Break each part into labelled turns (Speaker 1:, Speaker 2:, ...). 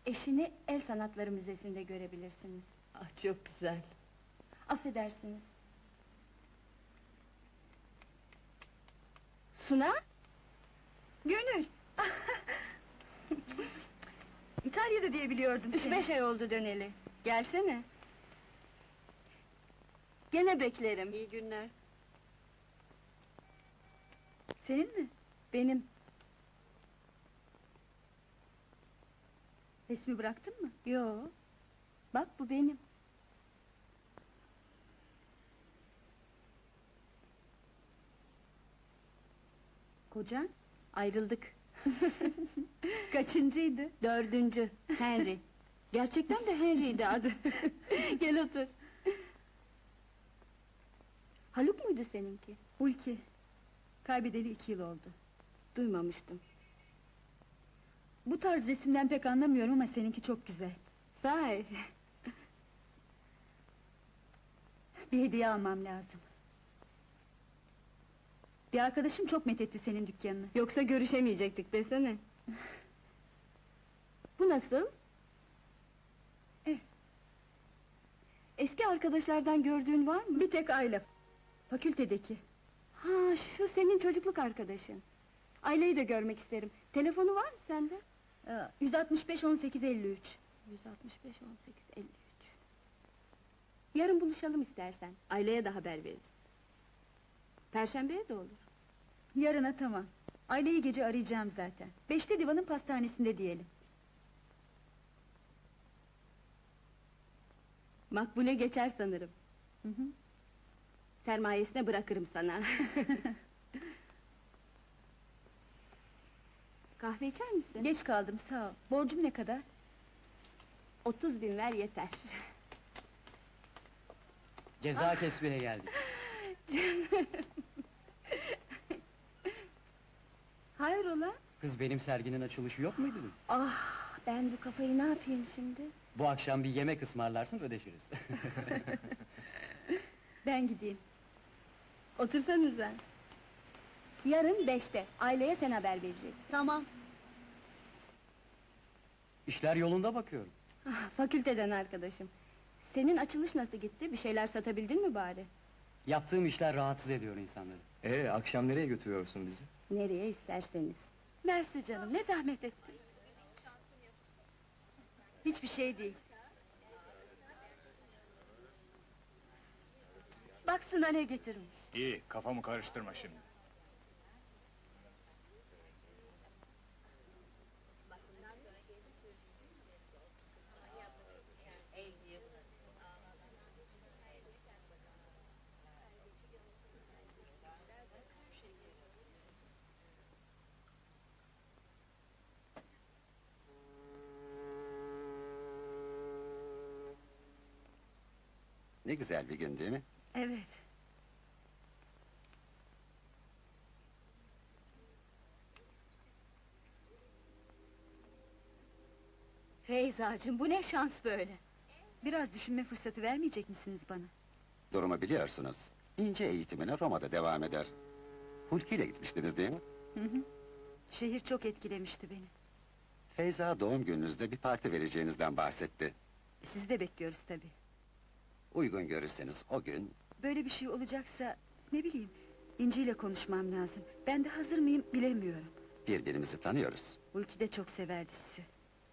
Speaker 1: Eşini El Sanatları Müzesi'nde görebilirsiniz.
Speaker 2: Ah, çok güzel.
Speaker 1: Affedersiniz. Suna?
Speaker 3: Gönül! İtalya'da diye biliyordum seni.
Speaker 1: 3-5 ay oldu döneli. Gelsene. Gene beklerim.
Speaker 2: İyi günler.
Speaker 3: Senin mi?
Speaker 1: Benim.
Speaker 3: Resmi bıraktın mı?
Speaker 1: Yo. Bak bu benim.
Speaker 3: Kocan?
Speaker 1: Ayrıldık.
Speaker 3: Kaçıncıydı?
Speaker 1: 4. Henry. Gerçekten de Henry'ydi adı. Gel otur. Haluk muydu seninki?
Speaker 3: Hulki. Kaybedeli 2 yıl oldu.
Speaker 1: Duymamıştım.
Speaker 3: Bu tarz resimden pek anlamıyorum ama seninki çok güzel.
Speaker 1: Sahi.
Speaker 3: Bir hediye almam lazım. Bir arkadaşım çok methetti senin dükkanını.
Speaker 1: Yoksa görüşemeyecektik desene. Bu nasıl? Eski arkadaşlardan gördüğün var mı?
Speaker 3: Bir tek Ayla. Fakültedeki.
Speaker 1: Ha, şu senin çocukluk arkadaşın. Aileyi de görmek isterim. Telefonu var mı sende?
Speaker 3: 165 18 53.
Speaker 1: 165 18 53. Yarın buluşalım istersen. Aileye de haber veririz. Perşembeye de olur.
Speaker 3: Yarına tamam. Aileyi gece arayacağım zaten. 5'te divanın pastanesinde diyelim.
Speaker 1: Makbule geçer sanırım.
Speaker 3: Hı hı.
Speaker 1: Sermayesine bırakırım sana. Kahve içer misin?
Speaker 3: Geç kaldım sağ ol. Borcum ne kadar?
Speaker 1: 30.000 ver yeter.
Speaker 4: Ceza kesmeye geldik.
Speaker 1: Hayrola?
Speaker 4: Kız, benim serginin açılışı yok muydu dün?
Speaker 1: Ah, ben bu kafayı ne yapayım şimdi?
Speaker 4: Bu akşam bir yemek ısmarlarsın, ödeşiriz.
Speaker 3: Ben gideyim.
Speaker 1: Otursanıza. Yarın 5'te, aileye sen haber vereceksin.
Speaker 3: Tamam.
Speaker 4: İşler yolunda bakıyorum.
Speaker 1: Ah, fakülteden arkadaşım. Senin açılış nasıl gitti? Bir şeyler satabildin mi bari?
Speaker 4: Yaptığım işler rahatsız ediyor insanları.
Speaker 5: Akşam nereye götürüyorsun bizi?
Speaker 1: Nereye isterseniz.
Speaker 2: Mersi canım, ne zahmet ettin.
Speaker 3: Hiçbir şey değil.
Speaker 2: Bak Suna ne getirmiş.
Speaker 6: İyi, kafamı karıştırma şimdi.
Speaker 7: Ne güzel bir gün değil mi?
Speaker 3: Evet.
Speaker 2: Feyzacığım, bu ne şans böyle.
Speaker 3: Biraz düşünme fırsatı vermeyecek misiniz bana?
Speaker 7: Durumu biliyorsunuz. İnce eğitimine Roma'da devam eder. Hulki ile gitmiştiniz değil mi?
Speaker 3: Hı hı. Şehir çok etkilemişti beni.
Speaker 7: Feyza doğum gününüzde bir parti vereceğinizden bahsetti.
Speaker 3: Sizi de bekliyoruz tabii.
Speaker 7: Uygun görürseniz o gün...
Speaker 3: Böyle bir şey olacaksa, ne bileyim... İnci ile konuşmam lazım. Ben de hazır mıyım bilemiyorum.
Speaker 7: ...birbirimizi tanıyoruz.
Speaker 3: Hulki de çok severdi sizi.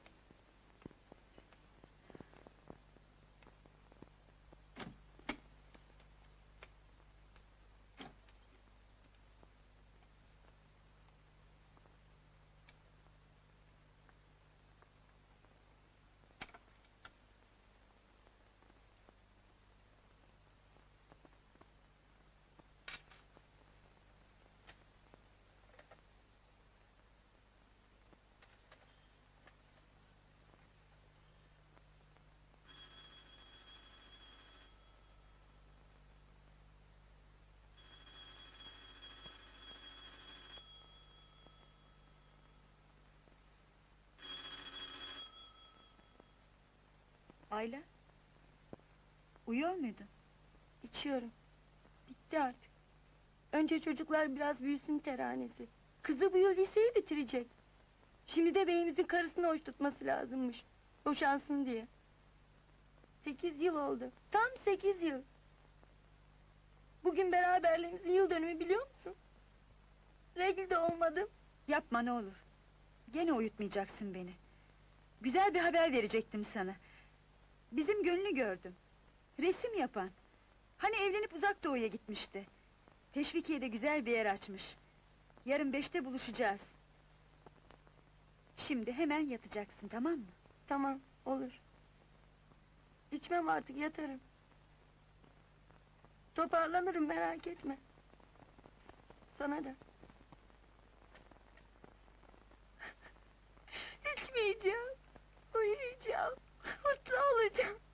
Speaker 3: Ayla? Uyuyor muydun?
Speaker 8: İçiyorum. Bitti artık. Önce çocuklar biraz büyüsün teranesi. Kızı bu yıl liseyi bitirecek. Şimdi de beyimizin karısını hoş tutması lazımmış. Boşansın diye. 8 yıl oldu. Tam 8 yıl. Bugün beraberliğimizin yıl dönümü biliyor musun? Regl de olmadım.
Speaker 3: Yapma ne olur. Gene uyutmayacaksın beni. Güzel bir haber verecektim sana. Bizim Gönül'ü gördüm. Resim yapan. Hani evlenip uzak doğuya gitmişti. Teşvikiye'de güzel bir yer açmış. Yarın 5'te buluşacağız. Şimdi hemen yatacaksın, tamam mı?
Speaker 8: Tamam, olur. İçmem artık, yatarım. Toparlanırım, merak etme. Sana da. İçmeyeceğim, uyuyacağım, mutlu olacağım.